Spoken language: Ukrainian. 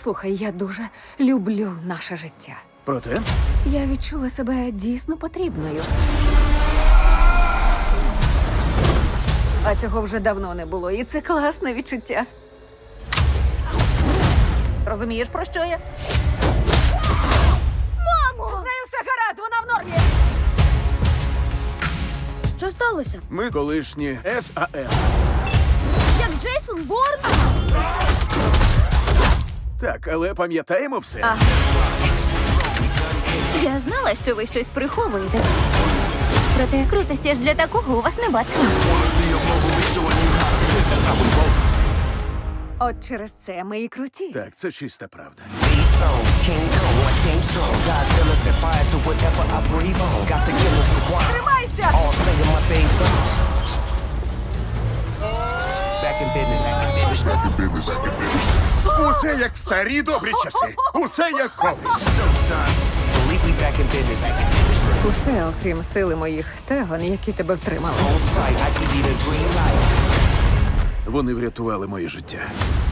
Слухай, я дуже люблю наше життя. Проте, Я відчула себе дійсно потрібною. А цього вже давно не було, і це класне відчуття. Розумієш, про що я? Мамо! З нею все гаразд, вона в нормі! Що сталося? ми колишні САМ. Як Джейсон Борн? Так, але пам'ятаємо все. Я знала, що ви щось приховуєте. Проте крутості ж для такого у вас не бачила. От через це ми і круті. Так, це чиста правда. These songs, King Kong, I came strong. Godzilla set fire to whatever I breathe on. Got the killers for one. Тримайся! All singing my theme song. Back in business. Усе як в старі добрі часи. Усе як колись. Believe we back in business. Усе, окрім сили моїх стегон, які тебе втримали. On sight, I give you the green light. Вони врятували моє життя.